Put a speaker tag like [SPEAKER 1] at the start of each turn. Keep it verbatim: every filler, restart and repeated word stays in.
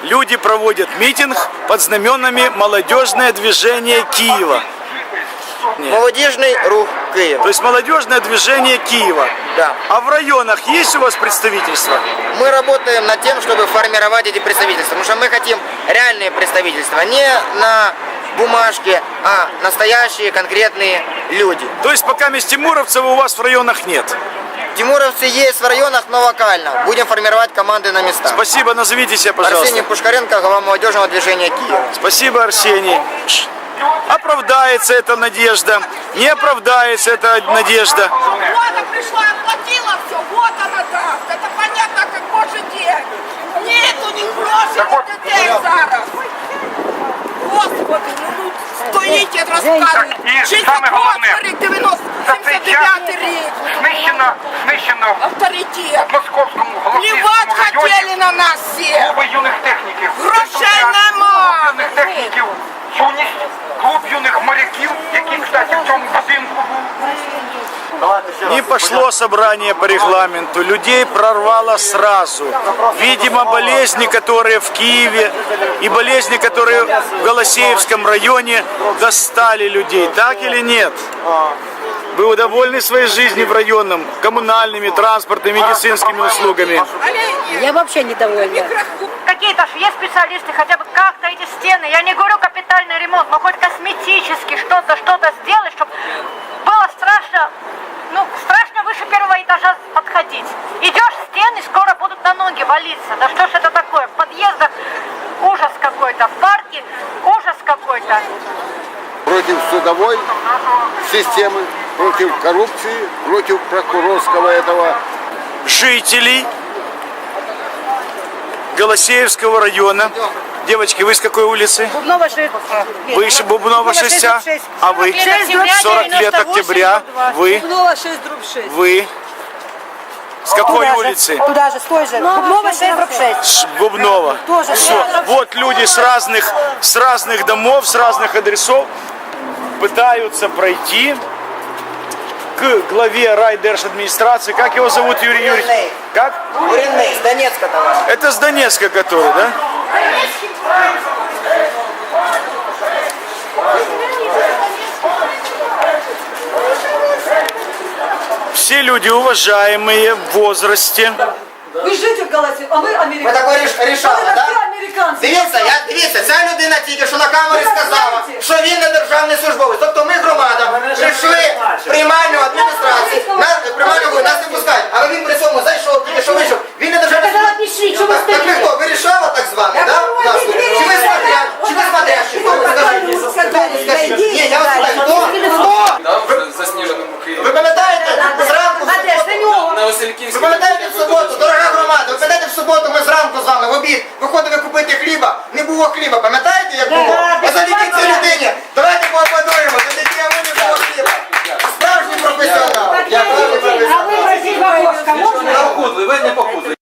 [SPEAKER 1] люди проводят митинг под знаменами «Молодежное движение Киева». Нет.
[SPEAKER 2] Молодежный рух Киева.
[SPEAKER 1] То есть молодежное движение Киева.
[SPEAKER 2] Да.
[SPEAKER 1] А в районах есть у вас представительство?
[SPEAKER 2] Мы работаем над тем, чтобы формировать эти представительства, потому что мы хотим реальные представительства, не на бумажке, а настоящие конкретные люди.
[SPEAKER 1] То есть пока Тимуровцева у вас в районах нет?
[SPEAKER 2] Тимуровцы есть в районах, но локально. Будем формировать команды на местах.
[SPEAKER 1] Спасибо, назовите себя, пожалуйста.
[SPEAKER 2] Арсений Пушкаренко, глава молодежного движения Киева.
[SPEAKER 1] Спасибо, Арсений. Оправдается эта надежда, не оправдается эта надежда.
[SPEAKER 3] Вот пришла, оплатила все, вот она даст. Это понятно, как божий день. Нету ни грошей, ни детей зараз. Господи, ну стоїть, розказують. шістдесят восьмий рік, дев'яносто, сімдесят дев'ятий рік.
[SPEAKER 4] Знищено, знищено
[SPEAKER 3] Авторитет.
[SPEAKER 4] в Московському
[SPEAKER 3] Плівать
[SPEAKER 4] Голосіївському
[SPEAKER 3] хотіли
[SPEAKER 4] районі
[SPEAKER 3] на нас всі.
[SPEAKER 4] клуби юних техніків.
[SPEAKER 3] Грошей
[SPEAKER 4] Клуб
[SPEAKER 3] нема.
[SPEAKER 4] юних техніків, юність, клуб юних моряків, який, кстати, в цьому будинку був.
[SPEAKER 1] Не пошло собрание по регламенту, людей прорвало сразу. Видимо, болезни, которые в Киеве, и болезни, которые в Голосеевском районе, достали людей. Так или нет? Вы довольны своей жизнью в районном, коммунальными, транспортными, медицинскими услугами?
[SPEAKER 5] Я вообще недовольна.
[SPEAKER 6] Какие-то же есть специалисты, хотя бы как-то эти стены, я не говорю капитальный ремонт, но хоть косметически что-то, что-то сделать, чтобы было страшно, ну, страшно выше первого этажа подходить. Идешь в стены, скоро будут на ноги валиться. Да что ж это такое? В подъездах ужас какой-то, в парке ужас какой-то.
[SPEAKER 7] Против судовой системы, против коррупции, против прокурорского этого.
[SPEAKER 1] Жителей Голосеевского района. Девочки, вы с какой улицы?
[SPEAKER 5] Бубнова шесть.
[SPEAKER 1] Вы из Бубнова шесть, а вы? сорок лет октября. Вы?
[SPEAKER 5] Бубнова шесть, дробь шесть.
[SPEAKER 1] Вы? С какой улицы?
[SPEAKER 5] Туда же, с той же. Бубнова шесть, дробь шесть.
[SPEAKER 1] С Бубнова.
[SPEAKER 5] Тоже.
[SPEAKER 1] Все. Вот люди с разных, с разных домов, с разных адресов пытаются пройти к главе райдержадминистрации. Как его зовут, Юрий Юрьевич? Как?
[SPEAKER 2] Буренный, с Донецка товар.
[SPEAKER 1] Это с Донецка который, да? Все люди уважаемые в возрасте.
[SPEAKER 5] Вы житель Голосеев, а мы
[SPEAKER 2] Ви
[SPEAKER 5] американцы.
[SPEAKER 2] такое ріш- рішали,
[SPEAKER 5] Это
[SPEAKER 2] так?
[SPEAKER 5] все американцы.
[SPEAKER 2] Дивіться, я, дивіться, ця людина тільки що на камері
[SPEAKER 5] Ви
[SPEAKER 2] сказала,
[SPEAKER 5] знаєте?
[SPEAKER 2] що він не державний службовець. Тобто ми, громада, прийшли в приймальну адміністрацію, на приймальну ви нас не пускають, але він при цьому зайшов, тільки що вийшов. Він не державний службовець. Так, так ви хто, вирішала так званий, так? Да? Чи ви смотря, чи ви смотрящий? Хто ви скажіть? Скажіть. Ні, я вас питаю, хто? Хто?
[SPEAKER 8] Да, в заснеженому Києві.
[SPEAKER 2] Ви пам'ятаєте, зранку,
[SPEAKER 8] На
[SPEAKER 2] ви
[SPEAKER 8] Васильківській.
[SPEAKER 2] пам'ятаєте в суботу, дорога громада, ви пам'ятаєте в суботу, ми зранку з вами в обід виходили купити хліба, не було хліба, пам'ятаєте як було? А завдяки цій людині, давайте поаплодуємо, завдяки йому не було хліба. Справжній професіонал. Я справжній професіонал.
[SPEAKER 5] А вы просить в окошко можно?
[SPEAKER 8] Похудли, ви не похудли.